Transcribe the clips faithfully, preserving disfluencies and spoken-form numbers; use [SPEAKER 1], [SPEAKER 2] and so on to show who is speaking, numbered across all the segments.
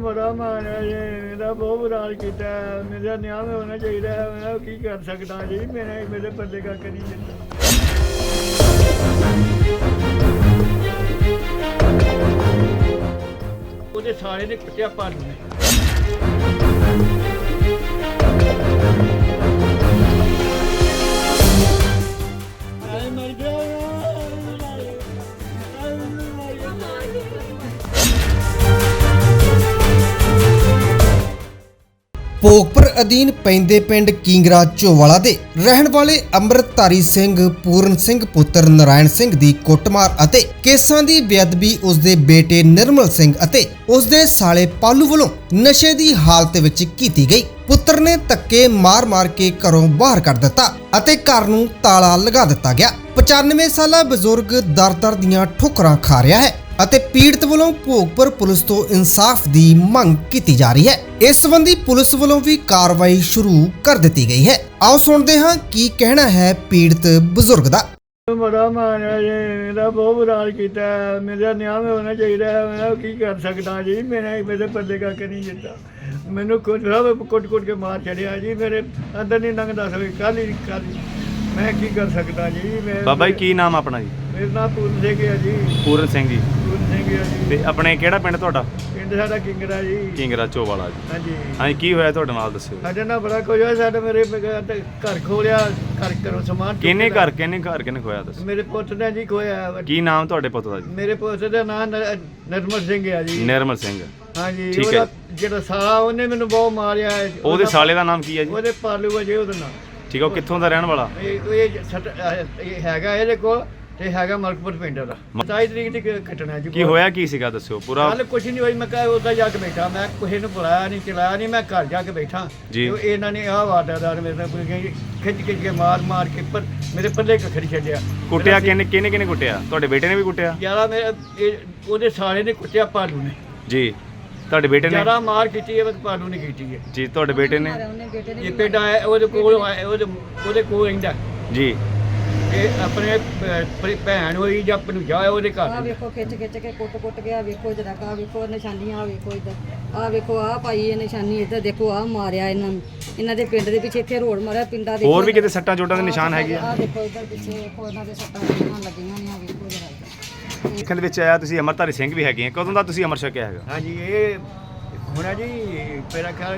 [SPEAKER 1] ਬੜਾ ਮਾਰਿਆ ਜੀ, ਮੇਰਾ ਬਹੁਤ ਬੁਰਾ ਹਾਲ ਕੀਤਾ। ਮੇਰਾ ਨਿਆਂ ਹੋਣਾ ਚਾਹੀਦਾ ਹੈ। ਮੈਂ ਕੀ ਕਰ ਸਕਦਾ ਜੀ, ਮੇਰੇ ਮੇਰੇ ਪੱਲੇ ਕੱਖ ਨਹੀਂ ਦਿੰਦਾ। ਉਹਦੇ ਸਾਰੇ ਨੇ ਕੁੱਟਿਆ ਪਾਲੂ ਨੇ। ਆਏ ਮਰ ਗਿਆ।
[SPEAKER 2] ਭੋਗਪੁਰ ਅਧੀਨ ਪੈਂਦੇ ਪਿੰਡ ਕੀਂਗਰਾ ਝੋਵਾਲਾ ਦੇ ਰਹਿਣ ਵਾਲੇ ਅੰਮ੍ਰਿਤਧਾਰੀ ਸਿੰਘ ਪੂਰਨ ਸਿੰਘ ਪੁੱਤਰ ਨਾਰਾਇਣ ਸਿੰਘ ਦੀ ਕੁੱਟਮਾਰ ਅਤੇ ਕੇਸਾਂ ਦੀ ਬੇਅਦਬੀ ਉਸਦੇ ਬੇਟੇ ਨਿਰਮਲ ਸਿੰਘ ਅਤੇ ਉਸਦੇ ਸਾਲੇ ਪਾਲੂ ਵੱਲੋਂ ਨਸ਼ੇ ਦੀ ਹਾਲਤ ਵਿੱਚ ਕੀਤੀ ਗਈ। ਪੁੱਤਰ ਨੇ ਧੱਕੇ ਮਾਰ-ਮਾਰ ਕੇ ਘਰੋਂ ਬਾਹਰ ਕੱਢ ਦਿੱਤਾ ਅਤੇ ਘਰ ਨੂੰ ਤਾਲਾ ਲਗਾ ਦਿੱਤਾ ਗਿਆ। ਪਚਾਨਵੇਂ ਸਾਲਾ ਬਜ਼ੁਰਗ ਦਰ-ਦਰ ਦੀਆਂ ਠੋਕਰਾਂ ਖਾ ਰਿਹਾ ਹੈ ਅਤੇ ਪੀੜਤ ਵੱਲੋਂ ਭੋਗਪੁਰ ਪੁਲਿਸ ਤੋਂ ਇਨਸਾਫ ਦੀ ਮੰਗ ਕੀਤੀ ਜਾ ਰਹੀ ਹੈ। ਇਸ ਸੰਬੰਧੀ ਪੁਲਿਸ ਵੱਲੋਂ ਵੀ ਕਾਰਵਾਈ ਸ਼ੁਰੂ ਕਰ ਦਿੱਤੀ ਗਈ ਹੈ। ਆਓ ਸੁਣਦੇ ਹਾਂ ਕੀ ਕਹਿਣਾ ਹੈ ਪੀੜਤ ਬਜ਼ੁਰਗ ਦਾ।
[SPEAKER 1] ਬੜਾ ਮਾਰਿਆ ਜੀ, ਮੇਰਾ ਬਹੁਤ ਬੁਰਾ ਹਾਲ ਕੀਤਾ। ਮੇਰਾ ਨਿਆਂ ਹੋਣਾ ਚਾਹੀਦਾ ਹੈ। ਮੈਂ ਕੀ ਕਰ ਸਕਦਾ ਜੀ, ਮੇਰੇ ਮੇਰੇ ਪੱਲੇ ਕੱਖ ਨਹੀਂ ਦਿੰਦਾ। ਮੈਨੂੰ ਕੁੱਟ ਕੁੱਟ ਕੁੱਟ ਕੇ ਮਾਰ ਛੱਡਿਆ ਜੀ, ਮੇਰੇ ਅੰਦਰ ਨਹੀਂ ਲੰਘਦਾ ਸਵੇ ਕੱਲ ਹੀ ਕੱਲ ਮੈਂ ਕੀ ਕਰ ਸਕਦਾ ਜੀ। ਮੈਂ
[SPEAKER 3] ਬਾਬਾ ਜੀ ਕੀ ਨਾਮ ਆਪਣਾ ਜੀ?
[SPEAKER 1] ਮੇਰਾ ਨਾਮ ਪੂਰਨ ਸਿੰਘ ਹੈ ਜੀ।
[SPEAKER 3] ਪੂਰਨ ਸਿੰਘ ਜੀ।
[SPEAKER 1] ਪੂਰਨ ਸਿੰਘ ਹੈ ਜੀ।
[SPEAKER 3] ਤੇ ਆਪਣੇ ਕਿਹੜਾ ਪਿੰਡ ਤੁਹਾਡਾ?
[SPEAKER 1] ਪਿੰਡ ਸਾਡਾ ਕਿੰਗਰਾ ਜੀ।
[SPEAKER 3] ਕੀਂਗਰਾ ਝੋਵਾਲਾ ਜੀ।
[SPEAKER 1] ਹਾਂਜੀ
[SPEAKER 3] ਹਾਂਜੀ, ਕੀ ਹੋਇਆ ਤੁਹਾਡੇ ਨਾਲ ਦੱਸਿਓ।
[SPEAKER 1] ਸਾਡੇ ਨਾਲ ਬੜਾ ਕੁਝ ਹੋਇਆ। ਸਾਡੇ ਮੇਰੇ ਘਰ ਖੋਲਿਆ, ਘਰ ਘਰੋਂ ਸਮਾਨ ਚੁੱਕ
[SPEAKER 3] ਕਿੰਨੇ
[SPEAKER 1] ਲਿਆ।
[SPEAKER 3] ਘਰ ਕਿੰਨੇ ਘਰ ਕਿੰਨੇ ਖੋਇਆ ਦੱਸੋ।
[SPEAKER 1] ਮੇਰੇ ਪੁੱਤ ਨੇ ਜੀ ਖੋਇਆ।
[SPEAKER 3] ਕੀ ਨਾਮ ਤੁਹਾਡੇ ਪੁੱਤ ਦਾ ਜੀ?
[SPEAKER 1] ਮੇਰੇ ਪੁੱਤ ਦਾ ਨਾਮ ਨਿਰਮਲ ਸਿੰਘ ਹੈ ਜੀ।
[SPEAKER 3] ਨਿਰਮਲ ਸਿੰਘ।
[SPEAKER 1] ਹਾਂਜੀ,
[SPEAKER 3] ਠੀਕ ਹੈ।
[SPEAKER 1] ਉਹਦਾ ਜਿਹੜਾ ਸਾਲਾ ਉਹਨੇ ਮੈਨੂੰ ਬਹੁਤ ਮਾਰਿਆ ਹੈ।
[SPEAKER 3] ਉਹਦੇ ਸਾਲੇ ਦਾ ਨਾਮ ਕੀ ਹੈ ਜੀ?
[SPEAKER 1] ਉਹਦੇ ਪਾਲੂ ਹੈ ਜੀ ਉਹਦਾ ਨਾਮ।
[SPEAKER 3] ਠੀਕ ਹੈ, ਉਹ ਕਿੱਥੋਂ ਦਾ ਰਹਿਣ ਵਾਲਾ?
[SPEAKER 1] ਇਹ ਇਹ ਸੱਟ- ਇਹ ਹੈਗਾ ਇਹਦੇ ਕੋਲ ਤੇ ਹੈਗਾ ਮਲਕਪੁਰ ਪਿੰਡ ਦਾ। ਸਤਾਈ ਤਰੀਕ ਦੀ ਘਟਨਾ ਜੀ।
[SPEAKER 3] ਕੀ ਹੋਇਆ ਕੀ ਸੀਗਾ ਦੱਸਿਓ ਪੂਰਾ।
[SPEAKER 1] ਕੱਲ ਕੁਛ ਨਹੀਂ ਹੋਈ। ਮੈਂ ਕਹਾਂ ਉੱਦਾਂ ਜਾ ਕੇ ਬੈਠਾ, ਮੈਂ ਕਿਸੇ ਨੂੰ ਬੁਲਾਇਆ ਨਹੀਂ ਚਲਾਇਆ ਨਹੀਂ, ਮੈਂ ਘਰ ਜਾ ਕੇ ਬੈਠਾ
[SPEAKER 3] ਜੀ।
[SPEAKER 1] ਤੇ ਇਹਨਾਂ ਨੇ ਆਹ ਵਾਰਦਾਤ ਮੇਰੇ ਨਾਲ ਕੋਈ ਖਿੱਚ ਖਿੱਚ ਕੇ ਮਾਰ ਮਾਰ ਕੇ ਪਰ ਮੇਰੇ ਪੱਲੇ ਕੱਖ ਨਹੀਂ ਛੱਡਿਆ।
[SPEAKER 3] ਕੁੱਟਿਆ ਕਿੰਨੇ ਕਿੰਨੇ ਕਿੰਨੇ ਕੁੱਟਿਆ? ਤੁਹਾਡੇ ਬੇਟੇ ਨੇ ਵੀ ਕੁੱਟਿਆ?
[SPEAKER 1] ਯਾਰਾ ਮੇਰੇ ਇਹ ਉਹਦੇ ਸਾਲੇ ਨੇ ਕੁੱਟਿਆ ਪਾਲੂ ਨੇ।
[SPEAKER 3] ਜੀ। ਤੁਹਾਡੇ ਬੇਟੇ ਨੇ?
[SPEAKER 1] ਜਿਆਦਾ ਮਾਰ ਕੀਤੀ ਹੈ, ਪਾਲੂ ਨੇ ਕੀਤੀ ਹੈ
[SPEAKER 3] ਜੀ। ਤੁਹਾਡੇ ਬੇਟੇ ਨੇ?
[SPEAKER 1] ਇਹ ਪਿੰਡ ਆਇਆ ਉਹਦੇ ਕੋਲ ਆਇਆ, ਉਹਦੇ ਉਹਦੇ ਕੋਲ ਰਹਿੰਦਾ
[SPEAKER 3] ਜੀ।
[SPEAKER 1] ਇਹ ਆਪਣੇ ਭੈ- ਭੈਣ ਹੋਈ ਜਾਂ ਭਣੂਜਾ ਹੋਇਆ ਉਹਦੇ
[SPEAKER 4] ਆ
[SPEAKER 1] ਘਰ।
[SPEAKER 4] ਵੇਖੋ ਖਿੱਚ ਖਿੱਚ ਕੇ ਕੁੱਟ ਕੁੱਟ ਗਿਆ। ਵੇਖੋ ਜਰਾ ਕਾ ਵੇਖੋ ਨਿਸ਼ਾਨੀਆਂ। ਆ ਵੇਖੋ ਇੱਧਰ ਆ ਵੇਖੋ ਆ ਪਾਈ ਇਹ ਨਿਸ਼ਾਨੀ। ਇੱਧਰ ਦੇਖੋ ਆ ਮਾਰਿਆ ਇਹਨਾਂ ਨੂੰ। ਇਹਨਾਂ ਦੇ ਪਿੰਡ ਦੇ ਪਿੱਛੇ ਇੱਥੇ ਰੋਡ ਮਾਰਿਆ ਪਿੰਡਾਂ ਦੇ।
[SPEAKER 3] ਹੋਰ ਵੀ ਕਿਤੇ ਸੱਟਾਂ ਚੋਟਾਂ ਦੇ ਨਿਸ਼ਾਨ ਹੈਗੇ ਆ?
[SPEAKER 4] ਆ ਦੇਖੋ ਇੱਧਰ ਪਿੱਛੇ ਵੇਖੋ ਇਹਨਾਂ ਦੇ ਸੱਟਾਂ ਲੱਗੀਆਂ ਲੱਗੀਆਂ ਨੇ। ਆ ਵੇਖੋ ਜਰਾ
[SPEAKER 3] ਦੇਖਣ ਦੇ ਵਿੱਚ ਆਇਆ ਤੁਸੀਂ ਅੰਮ੍ਰਿਤਧਾਰੀ ਸਿੰਘ ਵੀ ਹੈਗੇ ਆ। ਕਦੋਂ ਦਾ ਤੁਸੀਂ ਅੰਮ੍ਰਿਤ ਛਕਿਆ ਹੈਗਾ?
[SPEAKER 1] ਹਾਂਜੀ, ਇਹ ਹੋਣਾ ਜੀ ਮੇਰਾ ਖਿਆਲ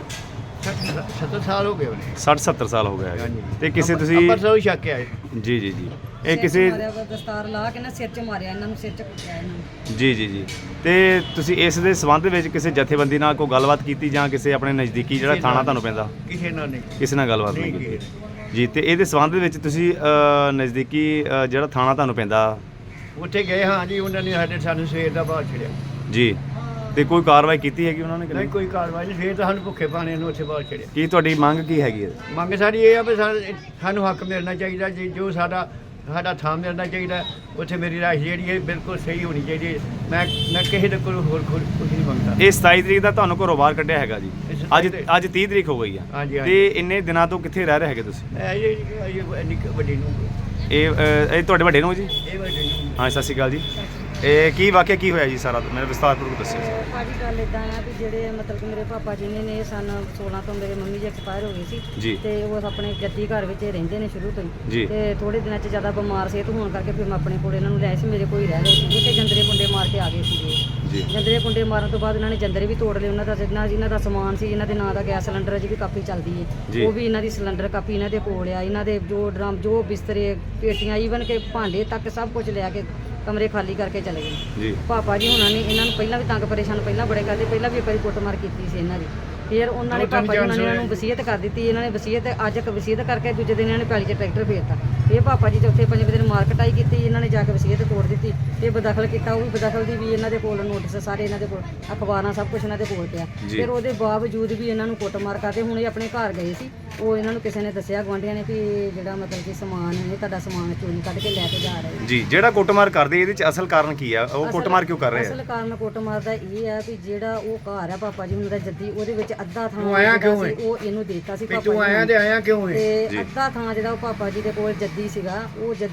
[SPEAKER 1] ਸੱਤਰ ਸਾਲ ਹੋ ਗਏ ਉਹਨੇ।
[SPEAKER 3] ਸੱਠ ਸੱਤਰ ਸਾਲ ਹੋ ਗਿਆ ਹੈਗਾ।
[SPEAKER 1] ਹਾਂਜੀ।
[SPEAKER 3] ਤੇ ਕਿਸੇ ਤੁਸੀਂ
[SPEAKER 1] ਅੰਮ੍ਰਿਤਸਰੋਂ ਹੀ ਛੱਕ ਕੇ ਆਏ।
[SPEAKER 3] ਜੀ ਜੀ ਜੀ
[SPEAKER 4] ਸਿਰ
[SPEAKER 3] ਇਹ
[SPEAKER 4] 'ਚ
[SPEAKER 3] ਕਿਸੇ
[SPEAKER 4] ਮਾਰਿਆ ਵਾ, ਦਸਤਾਰ ਲਾ ਕੇ ਨਾ ਸਿਰ 'ਚ ਮਾਰਿਆ ਇਹਨਾਂ ਨੂੰ। ਸਿਰ 'ਚ ਕੁੱਟਿਆ ਇਹਨਾਂ ਨੂੰ।
[SPEAKER 3] ਜੀ ਜੀ ਜੀ ਤੇ ਤੁਸੀਂ ਇਸ ਦੇ ਸੰਬੰਧ ਵਿੱਚ ਕਿਸੇ ਜਥੇਬੰਦੀ ਨਾਲ ਕੋਈ ਗੱਲਬਾਤ ਕੀਤੀ ਜਾਂ ਕਿਸੇ ਆਪਣੇ ਨਜ਼ਦੀਕੀ ਜਿਹੜਾ
[SPEAKER 1] ਕਿਸੇ
[SPEAKER 3] ਥਾਣਾ
[SPEAKER 1] ਨਾਲ
[SPEAKER 3] ਤੁਹਾਨੂੰ ਪੈਂਦਾ
[SPEAKER 1] ਕਿਸੇ ਨਾਲ ਨਹੀਂ।
[SPEAKER 3] ਕਿਸੇ ਨਾਲ ਗੱਲਬਾਤ ਨਹੀਂ
[SPEAKER 1] ਨਹੀਂ
[SPEAKER 3] ਕੀਤੀ? ਜੀ। ਤੇ ਇਹਦੇ ਸੰਬੰਧ ਵਿੱਚ ਤੁਸੀਂ ਅ, ਨਜ਼ਦੀਕੀ ਅ, ਜਿਹੜਾ ਥਾਣਾ ਤੁਹਾਨੂੰ ਪੈਂਦਾ
[SPEAKER 1] ਉੱਥੇ ਗਏ ਹਾਂ ਜੀ, ਉਹਨਾਂ ਨੇ ਸਾਡੇ ਸਾਨੂੰ ਸਵੇਰ ਦਾ ਬਾਹਰ ਛੱਡਿਆ।
[SPEAKER 3] ਜੀ। ਤੇ ਕੋਈ ਕਾਰਵਾਈ ਕੀਤੀ ਹੈਗੀ ਉਹਨਾਂ ਨੇ ਕਿ
[SPEAKER 1] ਨਹੀਂ
[SPEAKER 3] ਨਹੀਂ?
[SPEAKER 1] ਕੋਈ ਕਾਰਵਾਈ ਨਹੀਂ। ਸਵੇਰ ਤਾਂ ਸਾਨੂੰ ਭੁੱਖੇ ਪਾਣੇ ਨੂੰ ਉੱਥੇ ਬਾਹਰ ਛੱਡਿਆ।
[SPEAKER 3] ਕੀ ਤੁਹਾਡੀ ਮੰਗ ਕੀ ਹੈਗੀ ਹੈ?
[SPEAKER 1] ਮੰਗ ਸਾਡੀ ਇਹ ਆ ਵੀ ਸਾ- ਸਾਨੂੰ ਹੱਕ ਮਿਲਣਾ ਚਾਹੀਦਾ ਜੀ। ਜੋ ਸਾਡਾ ਸਾਡਾ ਥਾਂ ਮਿਲਣਾ ਚਾਹੀਦਾ। ਉੱਥੇ ਮੇਰੀ ਰਾਇ ਜਿਹੜੀ ਹੈ ਬਿਲਕੁਲ ਸਹੀ ਹੋਣੀ ਚਾਹੀਦੀ ਹੈ। ਮੈਂ ਮੈਂ ਕਿਸੇ ਦੇ ਕੋਲ ਹੋਰ ਕੁਝ ਨਹੀਂ ਮੰਗਦਾ।
[SPEAKER 3] ਇਹ ਸਤਾਈ ਤਰੀਕ ਦਾ ਤੁਹਾਨੂੰ ਘਰੋਂ ਬਾਹਰ ਕੱਢਿਆ ਹੈਗਾ ਜੀ।
[SPEAKER 1] ਇਹ
[SPEAKER 3] ਅੱਜ
[SPEAKER 1] ਸਤਾਈ
[SPEAKER 3] ਅੱਜ ਤੀਹ ਤਰੀਕ ਹੋ ਗਈ ਆ।
[SPEAKER 1] ਹਾਂਜੀ ਹਾਂਜੀ।
[SPEAKER 3] ਤੇ ਇੰਨੇ ਦਿਨਾਂ ਤੋਂ ਕਿੱਥੇ ਰਹਿ ਰਹੇ ਹੈਗੇ ਤੁਸੀਂ?
[SPEAKER 1] ਇਹ ਇਹ ਇਹ ਇੰਨੀ ਕੁ ਵੱਡੀ ਨੂੰ
[SPEAKER 3] ਇਹ ਅ, ਇਹ ਤੁਹਾਡੇ ਵੱਡੇ ਨੂੰ ਜੀ?
[SPEAKER 1] ਇਹ ਵੱਡੀ ਨੂੰ
[SPEAKER 3] ਹਾਂ, ਸਤਿ ਸ਼੍ਰੀ ਅਕਾਲ ਜੀ। ਇਹ ਕੀ ਵਾਕਿਆ ਕੀ ਹੋਇਆ ਜੀ ਸਾਰਾ ਮੈਨੂੰ ਵਿਸਤਾਰਪੂਰਵਕ ਦੱਸਿਓ ਜੀ।
[SPEAKER 4] ਭਾਜੀ ਗੱਲ ਇਦਾਂ ਆ ਵੀ ਜਿਹੜੇ ਮਤਲਬ ਕਿ ਮੇਰੇ ਪਾਪਾ ਜੀ ਨੇ ਨੇ ਸਨ ਸੋਲਾਂ ਤੋਂ ਮੇਰੇ ਮੰਮੀ ਜੀ ਐਕਸਪਾਇਰ ਹੋ ਗਏ ਸੀ।
[SPEAKER 3] ਜੀ।
[SPEAKER 4] ਤੇ ਉਹ ਆਪਣੇ ਜੱਦੀ ਘਰ ਵਿੱਚ ਹੀ ਰਹਿੰਦੇ ਨੇ ਸ਼ੁਰੂ ਤੋਂ
[SPEAKER 3] ਜੀ।
[SPEAKER 4] ਹੀ। ਤੇ ਥੋੜੇ ਦਿਨਾਂ 'ਚ ਜ਼ਿਆਦਾ ਬਿਮਾਰ ਸਿਹਤ ਹੋਣ ਕਰਕੇ ਫਿਰ ਮੈਂ ਆਪਣੇ ਕੋਲ ਇਹਨਾਂ ਨੂੰ ਲੈ ਸੀ। ਮੇਰੇ ਕੋਲ ਹੀ ਰਹਿ ਰਹੇ ਸੀ। ਉੱਥੇ ਜੰਦਰੇ ਕੁੰਡੇ ਮਾਰ ਕੇ ਆ ਗਏ ਸੀਗੇ।
[SPEAKER 3] ਜੀ।
[SPEAKER 4] ਜੰਦਰੇ ਕੁੰਡੇ ਮਾਰਨ ਤੋਂ ਬਾਅਦ ਇਹਨਾਂ ਨੇ ਜੰਦਰੇ ਵੀ ਤੋੜ ਲਏ। ਉਹਨਾਂ ਦਾ ਜਿੰਨਾ ਇਹਨਾਂ ਦਾ ਸਮਾਨ ਸੀ, ਇਹਨਾਂ ਦੇ ਨਾਂ ਦਾ ਗੈਸ ਸਿਲੰਡਰ ਅਜੇ ਵੀ ਕਾਪੀ ਚੱਲਦੀ
[SPEAKER 3] ਜੀ।
[SPEAKER 4] ਹੈ। ਉਹ ਵੀ ਇਹਨਾਂ ਦੀ ਸਿਲੰਡਰ ਕਾਪੀ ਇਹਨਾਂ ਦੇ ਕੋਲ ਆ। ਇਹਨਾਂ ਦੇ ਜੋ ਡਰਮ ਜੋ ਬਿਸਤਰੇ ਪੇਟੀਆਂ ਈਵਨ ਕਿ ਭਾਂਡੇ ਤੱਕ ਸਭ ਕੁਝ ਲਿਆ ਕੇ ਕਮਰੇ ਖਾਲੀ ਕਰਕੇ ਚਲੇ ਗਏ।
[SPEAKER 3] ਜੀ।
[SPEAKER 4] ਪਾਪਾ ਜੀ ਹੁਣਾਂ ਨੇ ਇਹਨਾਂ ਨੂੰ ਪਹਿਲਾਂ ਵੀ ਤੰਗ ਪਰੇਸ਼ਾਨ ਪਹਿਲਾਂ ਬੜੇ ਕਰਦੇ। ਪਹਿਲਾਂ ਵੀ ਇੱਕ ਵਾਰੀ ਕੁੱਟਮਾਰ ਕੀਤੀ ਸੀ ਇਹਨਾਂ ਦੀ। ਫਿਰ ਉਹਨਾਂ ਨੇ
[SPEAKER 1] ਦੋ ਤਿੰਨ
[SPEAKER 4] ਪਾਪਾ ਜੀ ਹੁਣਾਂ ਨੇ ਇਹਨਾਂ ਨੂੰ
[SPEAKER 1] ਚਾਂਸ
[SPEAKER 4] ਵਸੀਅਤ ਕਰ ਦਿੱਤੀ। ਇਹਨਾਂ ਨੇ ਵਸੀਅਤ ਅੱਜ ਇੱਕ ਵਸੀਅਤ ਕਰਕੇ ਦੂਜੇ ਦਿਨ ਇਹਨਾਂ ਨੇ ਪੈਲੀ 'ਚ ਟਰੈਕਟਰ ਫੇਰਤਾ। ਇਹ ਪਾਪਾ ਜੀ ਚੌਥੇ ਪੰਜਵੇਂ ਦਿਨ ਮਾਰ ਕਟਾਈ ਕੀਤੀ। ਇਹਨਾਂ ਨੇ ਜਾ ਕੇ ਵਸੀਅਤ ਤੋੜ ਦਿੱਤੀ। ਇਹ ਬਦਖਲ ਕੀਤਾ। ਉਹ ਵੀ ਬਦਖਲ ਦੀ ਵੀ ਇਹਨਾਂ ਦੇ ਕੋਲ ਨੋਟਿਸ ਸਾਰੇ ਇਹਨਾਂ ਦੇ ਕੋਲ ਅਖਬਾਰਾਂ ਸਭ ਕੁਝ ਇਹਨਾਂ ਦੇ ਕੋਲ ਪਿਆ।
[SPEAKER 3] ਜੀ।
[SPEAKER 4] ਫਿਰ ਉਹਦੇ ਬਾਵਜੂਦ ਵੀ ਇਹਨਾਂ ਨੂੰ ਕੁੱਟਮਾਰ ਕਰਦੇ। ਹੁਣ ਇਹ ਆਪਣੇ ਘਰ ਗਏ ਸੀ। ਉਹ ਇਹਨਾਂ ਨੂੰ ਕਿਸੇ ਨੇ ਦੱਸਿਆ ਗੁਆਂਢੀਆਂ ਨੇ ਵੀ ਇਹ ਜਿਹੜਾ ਮਤਲਬ ਕਿ ਸਮਾਨ ਹੈ ਤੁਹਾਡਾ ਸਮਾਨ ਚੋਰੀ ਕੱਢ ਕੇ ਲੈ ਕੇ ਜਾ ਰਹੇ ਨੇ।
[SPEAKER 3] ਜੀ। ਜਿਹੜਾ ਕੁੱਟਮਾਰ ਕਰਦੇ ਇਹਦੇ ਚ ਅਸਲ ਕਾਰਨ ਕੀ ਆ? ਉਹ
[SPEAKER 4] ਅਸਲ-
[SPEAKER 3] ਕੁੱਟਮਾਰ ਕਿਉਂ ਕਰ ਰਹੇ
[SPEAKER 4] ਅਸਲ
[SPEAKER 3] ਆ?
[SPEAKER 4] ਕਾਰਨ ਕੁੱਟਮਾਰ ਦਾ ਇਹ ਹੈ ਵੀ ਜਿਹੜਾ ਉਹ ਘਰ ਆ ਪਾਪਾ ਜੀ ਹੁਣ ਦਾ ਜੱਦੀ ਉਹਦੇ ਵਿੱਚ ਅੱਧਾ ਥਾਂ
[SPEAKER 1] ਤੂੰ ਆਇਆ
[SPEAKER 4] ਜਿਹੜਾ
[SPEAKER 1] ਕਿਉਂ
[SPEAKER 4] ਸੀ,
[SPEAKER 1] ਹੈ?
[SPEAKER 4] ਉਹ ਇਹਨੂੰ ਦੇਤਾ ਸੀ
[SPEAKER 1] ਵੀ
[SPEAKER 4] ਪਾਪਾ
[SPEAKER 1] ਤੂੰ
[SPEAKER 4] ਜੀ
[SPEAKER 1] ਆਇਆ
[SPEAKER 4] ਨੂੰ।
[SPEAKER 1] ਤੇ ਆਇਆ ਕਿਉਂ ਹੈ?
[SPEAKER 4] ਤੇ
[SPEAKER 3] ਜੀ।
[SPEAKER 4] ਅੱਧਾ ਥਾਂ ਜਿਹੜਾ ਉਹ ਪਾਪਾ ਜੀ ਦੇ ਕੋਲ ਜੱਦੀ ਸੀਗਾ ਉਹ ਜੱਦੀ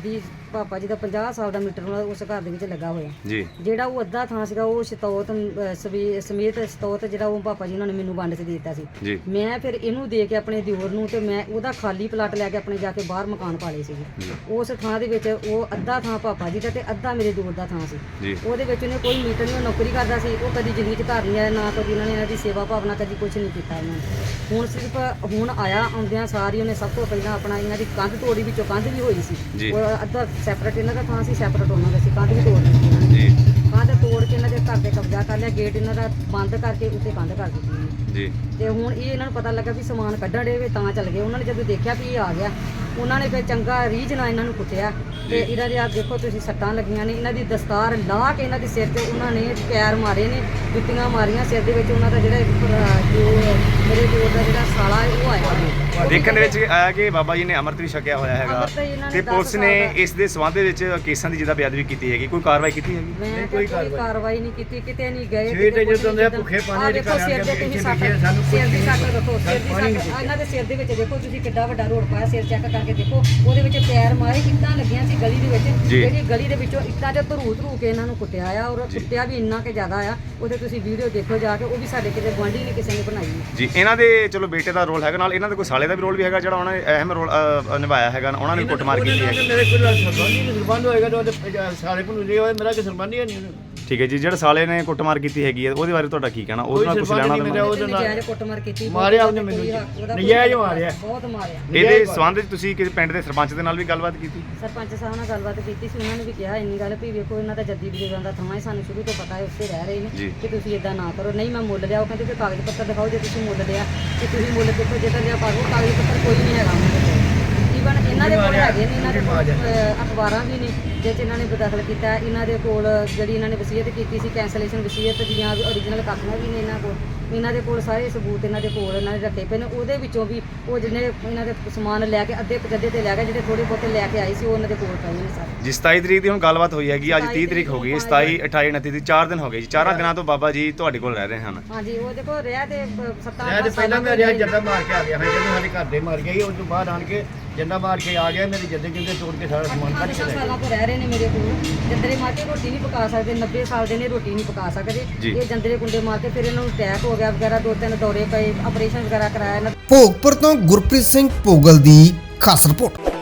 [SPEAKER 4] ਪਾਪਾ ਜੀ ਦਾ ਪੰਜਾਹ ਸਾਲ ਦਾ ਮੀਟਰ ਉਹਨਾਂ ਉਸ ਘਰ ਦੇ ਵਿੱਚ ਲੱਗਾ ਹੋਇਆ।
[SPEAKER 3] ਜੀ
[SPEAKER 4] ਜਿਹੜਾ ਉਹ ਅੱਧਾ ਥਾਂ ਸੀਗਾ ਉਹ ਸ਼ਤੌਤ ਅਹ, ਸਵੀ- ਸਮੇਤ ਸ਼ਤੌਤ ਜਿਹੜਾ ਉਹ ਪਾਪਾ ਜੀ ਉਹਨਾਂ ਨੇ ਮੈਨੂੰ ਵੰਡ 'ਚ ਦੇ ਦਿੱਤਾ ਸੀ।
[SPEAKER 3] ਜੀ
[SPEAKER 4] ਮੈਂ ਫਿਰ ਇਹਨੂੰ ਦੇ ਕੇ ਆਪਣੇ ਦਿਓਰ ਨੂੰ ਤੇ ਮੈਂ ਉਹਦਾ ਖਾਲੀ ਪਲਾਟ ਲੈ ਕੇ ਆਪਣੇ ਜਾ ਕੇ ਬਾਹਰ ਮਕਾਨ ਪਾ ਲਏ ਸੀਗੇ।
[SPEAKER 3] ਜੀ।
[SPEAKER 4] ਉਸ ਥਾਂ ਦੇ ਵਿੱਚ ਉਹ ਅੱਧਾ ਥਾਂ ਪਾਪਾ ਜੀ ਦਾ ਤੇ ਅੱਧਾ ਮੇਰੇ ਦਿਓਰ ਦਾ ਥਾਂ ਸੀ।
[SPEAKER 3] ਜੀ
[SPEAKER 4] ਉਹਦੇ ਵਿੱਚ ਉਹਨੇ ਕੋਈ ਮੀਟਰ ਨਹੀਂ, ਉਹ ਨੌਕਰੀ ਕਰਦਾ ਸੀ। ਉਹ ਕਦੀ ਜ਼ਿੰਦਗੀ 'ਚ ਘਰ ਨਹੀਂ ਆਇਆ, ਨਾ ਕਦੀ ਇਹਨਾਂ ਨੇ ਇਹਨਾਂ ਦੀ ਸੇਵਾ ਭਾਵਨਾ ਕਦੀ ਕੁਝ ਨਹੀਂ ਕੀਤਾ ਇਹਨਾਂ ਨੇ। ਹੁਣ ਸਿਰਫ ਹੁਣ ਆਇਆ, ਆਉਂਦਿਆਂ ਸਾਰੀ ਉਹਨੇ ਸਭ ਤੋਂ ਪਹਿਲਾਂ ਆਪਣਾ ਇਹਨਾਂ ਦੀ ਕੰਧ ਤੋੜੀ, ਵਿੱਚੋਂ ਕੰਧ ਵੀ ਹੋਈ ਸੀ।
[SPEAKER 3] ਜੀ।
[SPEAKER 4] ਉਹ ਅੱਧਾ ਸੈਪਰੇਟ ਇਹਨਾਂ ਦਾ ਥਾਂ ਸੀ, ਸੈਪਰੇਟ ਉਹਨਾਂ ਦਾ ਸੀ। ਕੰਧ ਵੀ ਤੋੜ ਦਿੱਤੀ ਇਹਨਾਂ ਨੇ।
[SPEAKER 3] ਜੀ
[SPEAKER 4] ਕੰਧ ਤੋੜ ਕੇ ਇਹਨਾਂ ਦੇ ਘਰ ਤੇ ਕਬਜ਼ਾ ਕਰ ਲਿਆ, ਗੇਟ ਇਹਨਾਂ ਦਾ ਬੰਦ ਕਰਕੇ ਉੱਤੇ ਕੰਧ ਕਰ ਦਿੱਤੀ ਇਹਨੇ।
[SPEAKER 3] ਜੀ
[SPEAKER 4] ਤੇ ਹੁਣ ਇਹ ਇਹਨਾਂ ਨੂੰ ਪਤਾ ਲੱਗਾ ਵੀ ਸਮਾਨ ਕੱਢਣ ਦੇ ਵੇ ਤਾਂ ਚੱਲ ਗਏ। ਉਹਨਾਂ ਨੇ ਜਦੋਂ ਦੇਖਿਆ ਵੀ ਇਹ ਆ ਗਿਆ, ਉਹਨਾਂ ਨੇ ਫਿਰ ਚੰਗਾ ਰੀਝ ਨਾਲ ਇਹਨਾਂ ਨੂੰ ਕੁੱਟਿਆ ਤੇ ਇਹਨਾਂ ਦੇ ਆ ਦੇਖੋ ਤੁਸੀਂ ਸੱਟਾਂ ਲੱਗੀਆਂ ਨੇ। ਇਹਨਾਂ ਦੀ ਦਸਤਾਰ ਲਾਹ ਕੇ ਇਹਨਾਂ ਦੇ ਸਿਰ ਤੇ ਉਹਨਾਂ ਨੇ ਪੈਰ ਮਾਰੇ ਨੇ, ਜੁੱਤੀਆਂ ਮਾਰੀਆਂ ਸਿਰ ਦੇ ਵਿੱਚ। ਉਹਨਾਂ ਦਾ ਜਿਹੜਾ ਇੱਕ ਭਰਾ ਜੋ ਮੇਰੇ ਦਿਓਰ ਦਾ ਜਿਹੜਾ ਸਾਲਾ ਹੈ ਉਹ ਆਇਆ ਹੋਇਆ।
[SPEAKER 3] ਦੇਖਣ ਦੇ ਵਿੱਚ ਆਇਆ ਕਿ ਬਾਬਾ ਜੀ ਨੇ ਅੰਮ੍ਰਿਤ ਵੀ ਛਕਿਆ ਹੋਇਆ ਹੈਗਾ
[SPEAKER 4] ਅੰਮ੍ਰਿਤ ਇਹਨਾਂ ਨੇ
[SPEAKER 3] ਤੇ
[SPEAKER 4] ਦਸ
[SPEAKER 3] ਪੁਲਿਸ ਨੇ
[SPEAKER 4] ਸਾਲ ਦਾ-
[SPEAKER 3] ਇਸ ਦੇ ਸਬੰਧ ਦੇ ਵਿੱਚ ਕੇਸਾਂ ਦੀ ਜਿਹਦਾ ਬੇਅਦਬੀ ਕੀਤੀ ਹੈਗੀ, ਕੋਈ ਕਾਰਵਾਈ ਕੀਤੀ ਹੈਗੀ?
[SPEAKER 4] ਮੈਂ
[SPEAKER 1] ਨਹੀਂ,
[SPEAKER 4] ਕੋਈ
[SPEAKER 1] ਕੋਈ
[SPEAKER 4] ਕਾਰਵਾਈ ਨਹੀਂ ਕੀਤੀ, ਕਿਤੇ ਨਹੀਂ ਗਏ।
[SPEAKER 1] ਸਵੇਰ ਦੇ
[SPEAKER 4] ਕਿਤੇ
[SPEAKER 1] ਜਦੋਂ ਦੇ
[SPEAKER 4] ਕੁਛ ਨਹੀਂ।
[SPEAKER 1] ਭੁੱਖੇ ਪਾਣੀ
[SPEAKER 4] ਆਹ
[SPEAKER 1] ਦੇ
[SPEAKER 4] ਦੇਖੋ
[SPEAKER 1] ਘਰ
[SPEAKER 4] ਸਿਰ ਦੇ
[SPEAKER 1] ਆਣ ਕੇ
[SPEAKER 4] ਤੁਸੀਂ
[SPEAKER 1] ਇੱਥੇ
[SPEAKER 4] ਸੱਟ,
[SPEAKER 1] ਬੈਠੇ, ਸਾਨੂੰ
[SPEAKER 4] ਸਿਰ ਦੀ
[SPEAKER 1] ਕੁਛ
[SPEAKER 4] ਸੱਟ
[SPEAKER 1] ਨਹੀਂ
[SPEAKER 4] ਰੱਖੋ, ਸਿਰ ਦੀ
[SPEAKER 1] ਪਾਣੀ
[SPEAKER 4] ਸੱਟ।
[SPEAKER 1] ਨਹੀਂ।
[SPEAKER 4] ਇਹਨਾਂ ਦੇ ਸਿਰ ਦੇ ਵਿੱਚ ਦੇਖੋ ਤੁਸੀਂ ਕਿੱਡਾ ਵੱਡਾ ਰੋਡ ਪਾਇਆ, ਸਿਰ ਚੈੱਕ ਕਰਕੇ ਦੇਖੋ। ਉਹਦੇ ਵਿੱਚ ਪੈਰ ਮਾਰੇ, ਇੱਟਾਂ ਲੱਗੀਆਂ ਸੀ ਗਲੀ ਦੇ ਵਿੱਚ।
[SPEAKER 3] ਜੀ।
[SPEAKER 4] ਜਿਹੜੀ ਗਲੀ ਦੇ ਵਿੱਚੋਂ ਇੱਟਾਂ ਤੇ ਧਰੂ ਧਰੂ ਕੇ ਇਹਨਾਂ ਨੂੰ ਕੁੱਟਿਆ ਆ, ਔਰ ਕੁੱਟਿਆ ਵੀ ਇੰਨਾ ਕਿ ਜ਼ਿਆਦਾ ਆ। ਉਹਦੇ ਤੁਸੀਂ ਵੀਡੀਓ ਦੇਖੋ ਜਾ ਕੇ, ਉਹ ਵੀ ਸਾਡੇ ਕਿਤੇ ਗੁਆਂਢੀ ਨੇ ਕਿਸੇ ਨੇ ਬਣਾਈ ਹੈ।
[SPEAKER 3] ਜੀ ਇਹਨਾਂ ਦੇ ਚਲੋ ਬੇਟੇ ਦਾ ਰੋਲ ਹੈਗਾ, ਨਾਲ ਇਹਨਾਂ ਦੇ ਕੋਈ ਸਾਲੇ ਦਾ ਵੀ ਰੋਲ ਵੀ ਹੈਗਾ ਜਿਹੜਾ ਉਹਨਾਂ ਨੇ ਅਹਿਮ ਰੋਲ ਅ, ਨਿਭਾਇਆ ਹੈਗਾ, ਉਹਨਾਂ ਨੇ ਵੀ ਕੁੱਟਮਾਰ ਕੀਤੀ ਹੈ।
[SPEAKER 1] ਮੇਰੇ ਕੋਲ ਸਰਬੰਧੀ ਨਹੀਂ, ਸਰਬੰਧ ਹੋਏਗਾ ਤਾਂ ਉਹਦੇ ਸਾਰੇ ਕੋਲ ਜੇ ਹੋਏ, ਮੇਰਾ ਕਿ ਸਰਬੰਧੀ ਹੈ ਨਹੀਂ ਉਹਨੂੰ।
[SPEAKER 3] ਠੀਕ ਹੈ ਜੀ, ਜਿਹੜੇ ਸਾਲੇ ਨੇ ਕੁੱਟਮਾਰ ਕੀਤੀ ਹੈਗੀ ਹੈ ਉਹਦੇ ਬਾਰੇ ਤੁਹਾਡਾ ਕੀ ਕਹਿਣਾ? ਉਹਦੇ ਨਾਲ ਕੁਝ
[SPEAKER 1] ਕੋਈ
[SPEAKER 3] ਲੈਣਾ
[SPEAKER 1] ਸੰਬੰਧ ਨਹੀਂ
[SPEAKER 3] ਦੇਣਾ?
[SPEAKER 1] ਉਹਦੇ ਨਾਲ।
[SPEAKER 4] ਨਜਾਇਜ਼ ਕੁੱਟਮਾਰ ਕੀਤੀ,
[SPEAKER 1] ਮਾਰਿਆ ਉਹਨੇ ਮੈਨੂੰ
[SPEAKER 4] ਕੋਈ
[SPEAKER 1] ਜੀ।
[SPEAKER 4] ਹੱਕ- ਉਹਦਾ ਕੋਈ
[SPEAKER 1] ਨਜਾਇਜ਼
[SPEAKER 4] ਹੱਕ-
[SPEAKER 1] ਮਾਰਿਆ।
[SPEAKER 4] ਬਹੁਤ ਮਾਰਿਆ।
[SPEAKER 3] ਇਹਦੇ ਸਬੰਧ ਵਿੱਚ ਤੁਸੀਂ ਕਿਸੇ ਪਿੰਡ ਦੇ ਸਰਪੰਚ ਦੇ ਨਾਲ ਵੀ ਗੱਲਬਾਤ ਕੀਤੀ?
[SPEAKER 4] ਸਰਪੰਚ ਸਾਹਿਬ ਨਾਲ ਗੱਲਬਾਤ ਕੀਤੀ ਸੀ। ਉਹਨਾਂ ਨੇ ਵੀ ਕਿਹਾ ਇੰਨੀ ਗੱਲ ਵੀ ਵੇਖੋ ਇਹਨਾਂ ਦਾ ਜੱਦੀ ਬਜ਼ੁਰਗਾਂ ਦਾ ਥਾਂ ਹੈ, ਸਾਨੂੰ ਸ਼ੁਰੂ ਤੋਂ ਪਤਾ ਹੈ ਉੱਥੇ ਰਹਿ ਰਹੇ
[SPEAKER 3] ਜੀ।
[SPEAKER 4] ਨੇ ਕਿ ਤੁਸੀਂ ਇਦਾਂ ਨਾ ਕਰੋ। ਨਹੀਂ ਮੈਂ ਮੁੱਲ ਲਿਆ, ਉਹ ਕਹਿੰਦੇ ਕਿ ਕਾਗਜ਼ ਪੱਤਰ ਦਿਖਾਓ ਜੇ ਤੁਸੀਂ ਮੁੱਲ ਲਿਆ, ਕਿ ਤੁਸੀਂ ਮੁੱਲ ਦੇਖੋ ਜਿੱਦਾਂ ਲਿਆ ਪਾਗੋ, ਕਾਗਜ਼ ਪੱਤਰ ਕੋਈ ਨਹੀਂ ਹੈਗਾ ਉਹਨਾਂ ਦੇ ਕੋਲ। ਈਵਨ ਇਹਨਾਂ ਦੇ ਕੋਲ ਹੈਗੇ ਨੇ, ਇਹਨਾਂ ਦੇ ਕੋਲ ਅਹ, ਅਖਬਾਰਾਂ ਵੀ ਨੇ ਜਿਹ 'ਚ ਇਹਨਾਂ ਨੇ ਬਦਖਲ ਕੀਤਾ। ਇਹਨਾਂ ਦੇ ਕੋਲ ਜਿਹੜੀ ਇਹਨਾਂ ਨੇ ਵਸੀਅਤ ਕੀਤੀ ਸੀ, ਕੈਂਸਲੇਸ਼ਨ ਵਸੀਅਤ ਦੀਆਂ ਓਰੀਜਨਲ ਕਾਪੀਆਂ ਵੀ ਨੇ ਇਹਨਾਂ ਕੋਲ। ਇਹਨਾਂ ਦੇ ਕੋਲ ਸਾਰੇ ਸਬੂਤ ਇਹਨਾਂ ਦੇ ਕੋਲ ਇਹਨਾਂ ਨੇ ਰੱਖੇ ਪਏ ਨੇ। ਉਹਦੇ ਵਿੱਚੋਂ ਵੀ ਉਹ ਜਿਹਨੇ ਇਹਨਾਂ ਦੇ ਸਮਾਨ ਲੈ ਕੇ ਅੱਧੇ ਪਜੱਦੇ ਤੇ ਲੈ ਗਏ, ਜਿਹੜੇ ਥੋੜੇ ਬਹੁਤੇ ਲੈ ਕੇ ਆਏ ਸੀ ਉਹ ਇਹਨਾਂ ਦੇ ਕੋਲ ਪਏ ਨੇ ਸਾਰੇ।
[SPEAKER 3] ਜੀ ਸਤਾਈ ਤਰੀਕ ਦੀ ਹੁਣ ਗੱਲਬਾਤ ਹੋਈ ਹੈਗੀ, ਅੱਜ ਤੀਹ ਤਰੀਕ ਹੋ ਗਈ, ਸਤਾਈ ਅਠਾਈ ਉਨੱਤੀ ਦੀ ਚਾਰ ਦਿਨ ਹੋ ਗਏ ਜੀ। ਚਾਰਾਂ ਦਿਨਾਂ ਤੋਂ ਬਾਬਾ ਜੀ ਤੁਹਾਡੇ ਕੋਲ ਰਹਿ ਰਹੇ ਹਨ।
[SPEAKER 4] ਹਾਂਜੀ, ਉਹ ਦੇਖੋ ਰਿਹਾ ਤੇ ਅਹ, ਸੱਤਾਂ
[SPEAKER 1] ਮੈਂ ਤੇ
[SPEAKER 4] ਅੱਠਾਂ
[SPEAKER 1] ਪਹਿਲਾਂ ਮੈਂ
[SPEAKER 4] ਤੋਂ
[SPEAKER 1] ਰਿਆ
[SPEAKER 4] ਰਿਹਾ।
[SPEAKER 1] ਜੱਦਾ ਮਾਰ ਕੇ ਆ ਗਿਆ ਹਾਂ, ਜਦੋਂ ਸਾਡੇ ਘਰ ਦੇ ਮਾਰ ਗਈ, ਉਸ ਤੋਂ ਬਾਅਦ ਆਣ ਕੇ ਜੱਦਾ ਮਾਰ ਕੇ ਆ ਗਿਆ। ਮੇਰੇ ਜੱਦੇ ਜਿੰਦੇ ਤੋੜ ਕੇ ਸਾਰਾ ਸਮਾਨ ਕੱਢ ਕੇ
[SPEAKER 4] ਅੱਠਾਂ
[SPEAKER 1] ਲੈ ਗਏ।
[SPEAKER 4] ਸਾਲਾਂ ਤੋਂ ਰਹਿ ਰਹੇ ਨੇ ਮੇਰੇ ਕੋਲ। ਜੰਦਰੇ ਮਾਰ ਕੇ ਰੋਟੀ ਨਹੀਂ ਪਕਾ ਸਕਦੇ, ਨੱਬੇ ਸਾਲ ਦੇ ਨੇ, ਰੋਟੀ ਨਹੀਂ ਪਕਾ ਸਕਦੇ।
[SPEAKER 3] ਜੀ।
[SPEAKER 4] ਇਹ ਜੰਦਰੇ ਕੁੰਡੇ ਮਾਰ ਕੇ ਫਿਰ ਇਹਨਾਂ ਨੂੰ ਅਟੈਕ ਹੋ ਗਿਆ ਵਗੈਰਾ, ਦੋ ਤਿੰਨ ਦੌਰੇ ਪਏ, ਆਪਰੇਸ਼ਨ ਵਗੈਰਾ ਕਰਾਇਆ ਇਹਨਾਂ
[SPEAKER 2] ਭੋਗਪੁਰ ਤੋਂ ਗੁਰਪ੍ਰੀਤ ਸਿੰਘ ਭੋਗਲ ਦੀ ਖਾਸ ਰਿਪੋਰਟ।